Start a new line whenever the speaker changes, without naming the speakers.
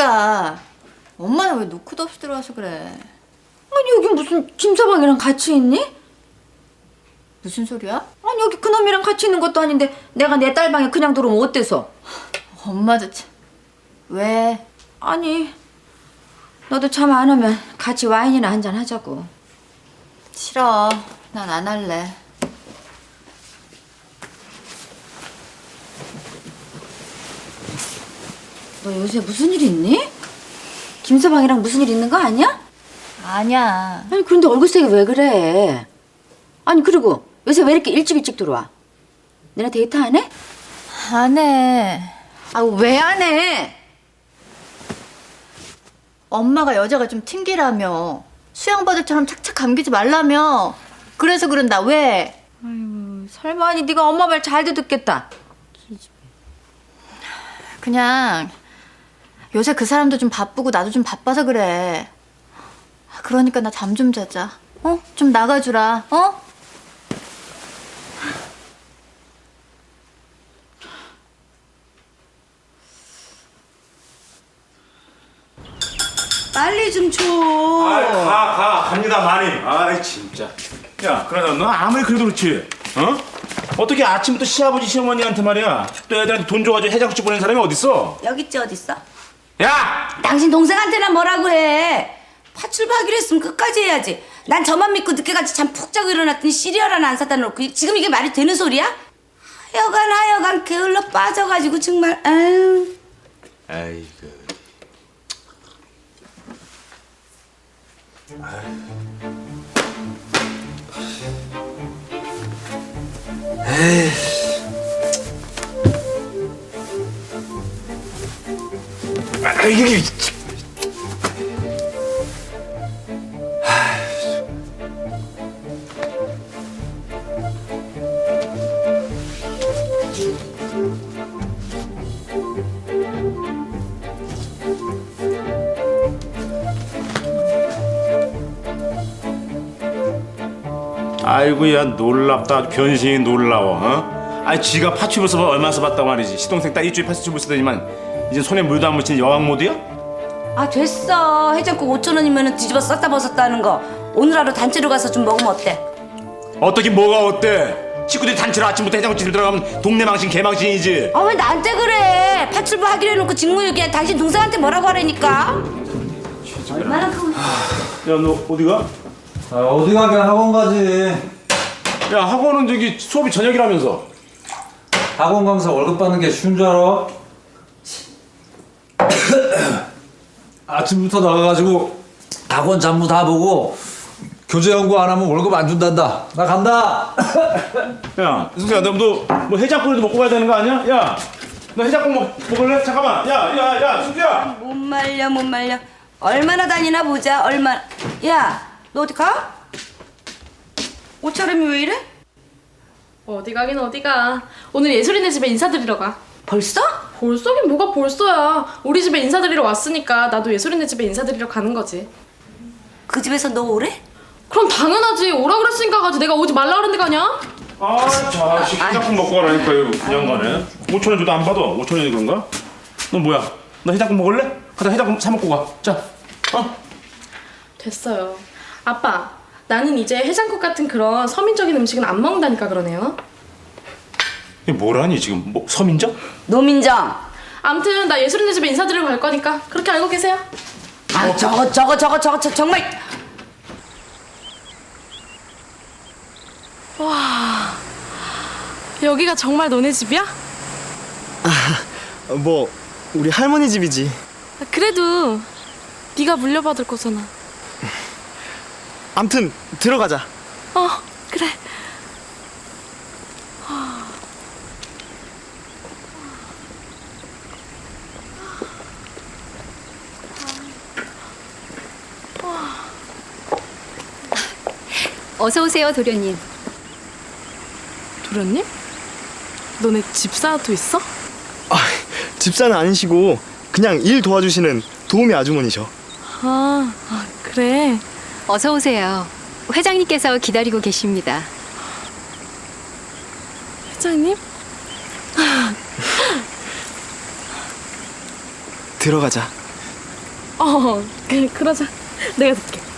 그러니까 엄마는 왜 노크도 없이 들어와서 그래?
아니 여기 무슨 김서방이랑 같이 있니?
무슨 소리야?
아니 여기 그놈이랑 같이 있는 것도 아닌데 내가 내 딸 방에 그냥 들어오면 어때서?
엄마도 참. 왜?
아니 너도 잠 안 오면 같이 와인이나 한잔 하자고.
싫어. 난 안 할래.
너 요새 무슨 일 있니? 김서방이랑 무슨 일 있는 거 아니야?
아니야.
아니 그런데 얼굴색이 왜 그래? 아니 그리고 요새 왜 이렇게 일찍 들어와? 너네 데이트 안 해?
안 해.
아 왜 안 해?
엄마가 여자가 좀 튕기라며. 수양바들처럼 착착 감기지 말라며. 그래서 그런다. 왜?
설마 아니 네가 엄마 말 잘 듣겠다.
그냥 요새 그 사람도 좀 바쁘고 나도 좀 바빠서 그래. 그러니까 나 잠 좀 자자. 어? 좀 나가주라. 어?
빨리 좀 줘.
갑니다 마님. 아이 진짜. 야, 그러나 너 아무리 그래도 그렇지, 어? 어떻게 아침부터 시아버지 시어머니한테 말이야, 또 애들한테 돈 줘가지고 해장국집 보낸 사람이 어딨어?
여기 있지 어딨어?
야!
당신 동생한테나 뭐라고 해. 파출하기로 했으면 끝까지 해야지. 난 저만 믿고 늦게까지 잠 푹 자고 일어났더니 시리얼 하나 안 사다 놓고 지금 이게 말이 되는 소리야? 하여간 게을러 빠져가지고 정말 아유.
아이고. 이게 아이고야 놀랍다. 변신이 놀라워. 어? 아니 지가 파출부 써봐 얼마 써봤단 말이지. 시동생 딸 일주일 파출부 쓰더니만 이제 손에 물도 안 묻힌 여왕 모드야?
아 됐어. 해장국 5,000원이면 뒤집어 썼다 벗었다 하는 거 오늘 하루 단체로 가서 좀 먹으면 어때?
어떻게 뭐가 어때? 식구들이 단체로 아침부터 해장국집 들어가면 동네 망신 개망신이지.
아 왜 나한테 그래? 파출부 하기로 해놓고 직무유기야. 당신 동생한테 뭐라고 하라니까? 얼마나 크고.
야 너 어디 가?
아, 어디 가긴 학원 가지.
야 학원은 저기 수업이 저녁이라면서.
학원 강사 월급 받는 게 쉬운 줄 알아? 아침부터 나가가지고 학원 잡무 다 보고 교재 연구 안 하면 월급 안 준단다. 나 간다.
야 승수야 너 뭐 해장국이라도 먹고 가야 되는 거 아니야? 야 너 해장국 먹을래? 잠깐만. 야 승수야.
못 말려. 얼마나 다니나 보자. 얼마. 야, 너 어디 가? 옷차림이 왜 이래?
어디 가긴 어디 가. 오늘 예술이네 집에 인사드리러 가.
벌써?
벌써긴 뭐가 벌써야. 우리 집에 인사드리러 왔으니까 나도 예술이네 집에 인사드리러 가는 거지.
그 집에서 너 오래?
그럼 당연하지. 오라 그랬으니까 가지. 내가 오지 말라 그랬는데 가냐?
아 자식 해장국 먹고 가라니까 이거 그냥 가네. 5,000원 줘도 안 받아. 5,000원이 그런가? 너 뭐야? 너 해장국 먹을래? 가자 해장국 사 먹고 가. 자.
됐어요. 아빠, 나는 이제 해장국 같은 그런 서민적인 음식은 안 먹는다니까 그러네요.
이게 뭐라니 지금 뭐 서민적?
노민정.
암튼 나 예술이네 집에 인사드리러 갈 거니까 그렇게 알고 계세요.
아, 저거 정말.
와, 여기가 정말 너네 집이야?
뭐 우리 할머니 집이지.
그래도 네가 물려받을 거잖아.
암튼 들어가자.
그래.
어서 오세요, 도련님.
도련님? 너네 집사도 있어?
아, 집사는 아니시고 그냥 일 도와주시는 도우미 아주머니셔.
그래.
어서 오세요. 회장님께서 기다리고 계십니다.
회장님?
들어가자.
그러자. 내가 듣게.